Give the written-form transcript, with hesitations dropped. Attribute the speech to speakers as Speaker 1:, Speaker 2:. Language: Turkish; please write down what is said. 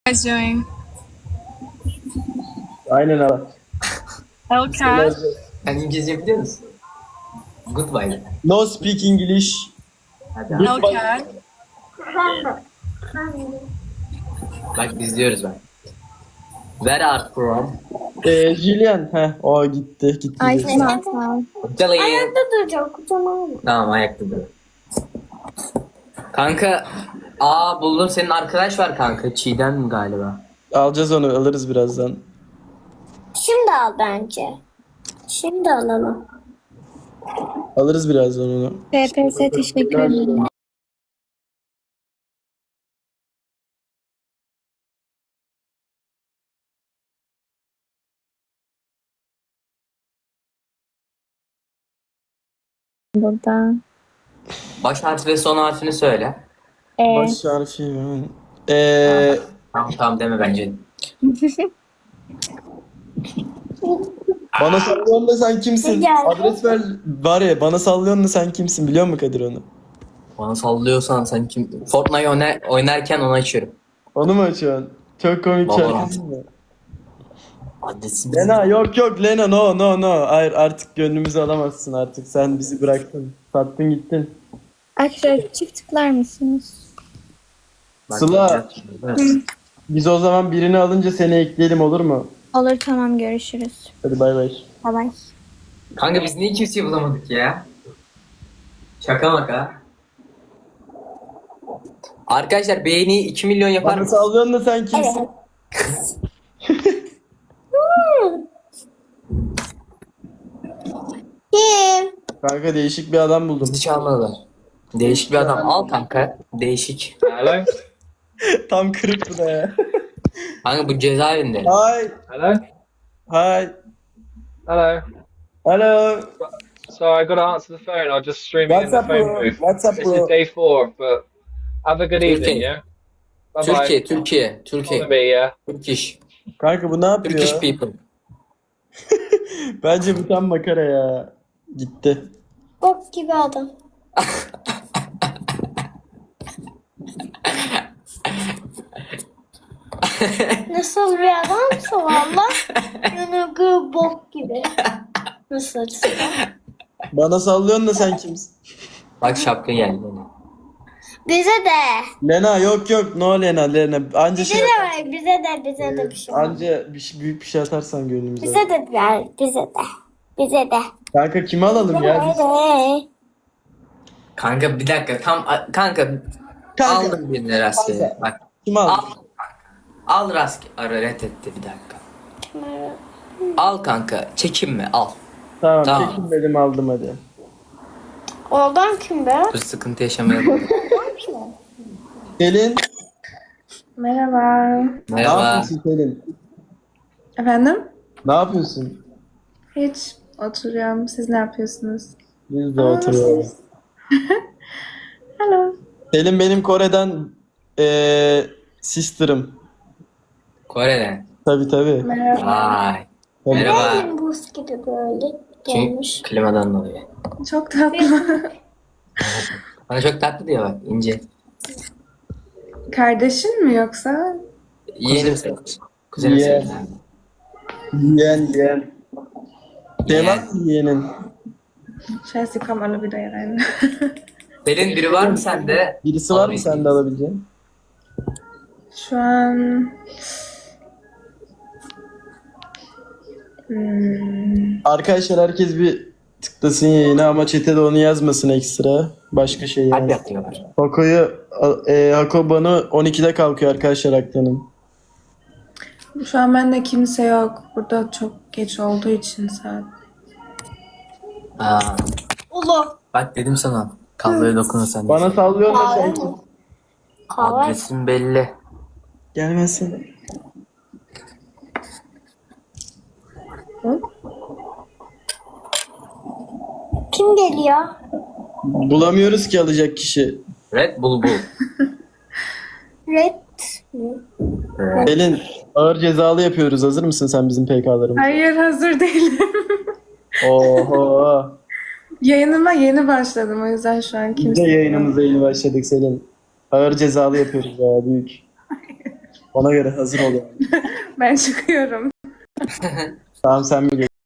Speaker 1: Guys doing?
Speaker 2: Aynen abi.
Speaker 1: Hellcat.
Speaker 3: Sen İngilizce biliyor musun? Goodbye.
Speaker 2: No speak English.
Speaker 3: Hadi abi.
Speaker 1: Hellcat.
Speaker 3: Bak biz diyoruz bak. Where are you from?
Speaker 2: Julian. O gitti.
Speaker 4: Ay
Speaker 2: Gitti.
Speaker 4: Sinan.
Speaker 3: Italy.
Speaker 4: Ayakta duracağım kocaman.
Speaker 3: Tamam ayakta dur. Kanka. Buldum senin arkadaş var kanka. Çiğdem galiba.
Speaker 2: Alacağız onu. Alırız birazdan.
Speaker 4: Şimdi al bence. Şimdi alalım.
Speaker 2: Alırız birazdan onu.
Speaker 4: TPS teşekkür ederim. Burada.
Speaker 3: Baş harfi ve son harfini söyle.
Speaker 2: Baş harfi.
Speaker 3: Tamam deme bence.
Speaker 2: Bana sallıyorsun da sen kimsin?
Speaker 4: Gel.
Speaker 2: Adres ver. Var ya bana sallıyorsun da sen kimsin? Biliyor musun Kadir onu?
Speaker 3: Bana sallıyorsan sen kim? Fortnite oynarken onu açıyorum.
Speaker 2: Onu mu açıyorsun? Çok komik
Speaker 3: Baba.
Speaker 2: şarkı değil mi?
Speaker 3: Adresim.
Speaker 2: Lena yok Lena no. Hayır artık gönlümüzü alamazsın artık. Sen bizi bıraktın. Sattın gittin.
Speaker 4: Arkadaşlar çift tıklar mısınız?
Speaker 2: Sıla. Biz o zaman birini alınca seni ekleyelim olur mu?
Speaker 4: Olur tamam görüşürüz.
Speaker 2: Hadi bay bay.
Speaker 4: Bye bye.
Speaker 3: Kanka biz niye kimseyi bulamadık ya? Şaka maka. Arkadaşlar beğeni 2 milyon yapar
Speaker 2: Bana
Speaker 3: mı?
Speaker 2: sallıyorsun da sen kimsin?
Speaker 4: Evet. Kim?
Speaker 2: Kanka değişik bir adam buldum.
Speaker 3: Bizi çalmadılar. Değişik bir adam. Al kanka. Değişik.
Speaker 5: Hello?
Speaker 2: Tam kırık bu da ya.
Speaker 3: Kanka bu cezaevinde.
Speaker 2: Hi.
Speaker 5: Hello?
Speaker 2: Hi.
Speaker 5: Hello?
Speaker 2: Hello.
Speaker 5: Sorry, I got to answer the phone. I'm just streaming
Speaker 2: What's
Speaker 5: in the
Speaker 2: up,
Speaker 5: phone
Speaker 2: bro?
Speaker 5: booth.
Speaker 2: What's up,
Speaker 5: This
Speaker 2: bro?
Speaker 5: is day 4, but have a good evening, yeah? Bye-bye.
Speaker 3: Türkiye.
Speaker 5: Follow me, yeah?
Speaker 3: Turkish.
Speaker 2: Kanka bu ne yapıyor?
Speaker 3: Turkish people.
Speaker 2: Bence bu tam makara ya. Gitti.
Speaker 4: Bok gibi adam. Nasıl bir adamsa valla yanıgı bok gibi. Nasıl açısından?
Speaker 2: Bana sallıyorsun da sen kimsin?
Speaker 3: Bak şapka geldi.
Speaker 4: Bize de.
Speaker 2: Lena yok no Lena. Anca
Speaker 4: Bize
Speaker 2: şey
Speaker 4: de ver. Bize de bir şey.
Speaker 2: anca büyük bir şey atarsan gönlümüze.
Speaker 4: Bize de ver. Bize de.
Speaker 2: Kanka kimi alalım ya? Biz...
Speaker 4: Hadi.
Speaker 3: Kanka bir dakika kanka aldım birini rastgele. Bak
Speaker 2: Kimi
Speaker 3: al.
Speaker 2: alalım?
Speaker 3: Al rastgele. Reddetti bir dakika. Al kanka çekinme al.
Speaker 2: Tamam,
Speaker 3: Tamam.
Speaker 2: çekinmedim aldım hadi.
Speaker 4: Oradan kim be?
Speaker 3: Dur sıkıntı yaşamayalım.
Speaker 2: Selin.
Speaker 6: Merhaba.
Speaker 2: Ne
Speaker 3: Merhaba.
Speaker 2: yapıyorsun Selin?
Speaker 6: Efendim?
Speaker 2: Ne yapıyorsun?
Speaker 6: Hiç oturuyorum. Siz ne yapıyorsunuz?
Speaker 2: Biz de oturuyoruz.
Speaker 6: Hello.
Speaker 2: Selin benim Kore'den sister'ım.
Speaker 3: Kore'den.
Speaker 2: Tabii.
Speaker 6: Merhaba.
Speaker 3: Vay.
Speaker 2: Tabii.
Speaker 3: Merhaba.
Speaker 4: Benim buz gibi böyle
Speaker 3: Çünkü
Speaker 4: gelmiş.
Speaker 3: klimadan dolayı.
Speaker 6: Çok tatlı.
Speaker 3: Bana çok tatlı diyor bak ince.
Speaker 6: Kardeşin mi yoksa?
Speaker 3: Yeğenim sayılır. Kuzenim
Speaker 2: Yeğen.
Speaker 3: sayılır.
Speaker 2: Yeğen. Şey var mı yeğenin?
Speaker 6: Scheiße, ich komme alle wieder hier rein.
Speaker 3: Selin biri var mı sende?
Speaker 2: Birisi var mı sende alabileceğin?
Speaker 6: Şu an...
Speaker 2: Arkadaşlar herkes bir tıklasın yayına ama chat'e de onu yazmasın ekstra. Başka şey
Speaker 3: Hadi
Speaker 2: yani.
Speaker 3: yapıyorlar.
Speaker 2: Hako bana 12'de kalkıyor arkadaşlar aklının.
Speaker 6: Şu an bende kimse yok. Burada çok geç olduğu için saat.
Speaker 3: Aa,
Speaker 4: Ulu.
Speaker 3: bak dedim sana. Kahveye dokunursan.
Speaker 2: Bana sallıyor da
Speaker 4: Kahve
Speaker 2: sen
Speaker 4: mi?
Speaker 2: kim?
Speaker 4: Kahve.
Speaker 3: Adresim belli.
Speaker 2: Gelmezsin.
Speaker 4: Kim geliyor?
Speaker 2: Bulamıyoruz ki alacak kişi.
Speaker 3: Red Bull.
Speaker 4: Red mi?
Speaker 2: Selin ağır cezalı yapıyoruz. Hazır mısın sen bizim PK'larımıza?
Speaker 6: Hayır hazır değilim.
Speaker 2: Oho.
Speaker 6: Yayınıma yeni başladım o yüzden şu an
Speaker 2: Biz de
Speaker 6: kimse yok.
Speaker 2: yayınımıza yeni başladık Selin. Ağır cezalı yapıyoruz ya büyük. Ona göre hazır ol yani.
Speaker 6: Ben çıkıyorum.
Speaker 2: Tamam sen mi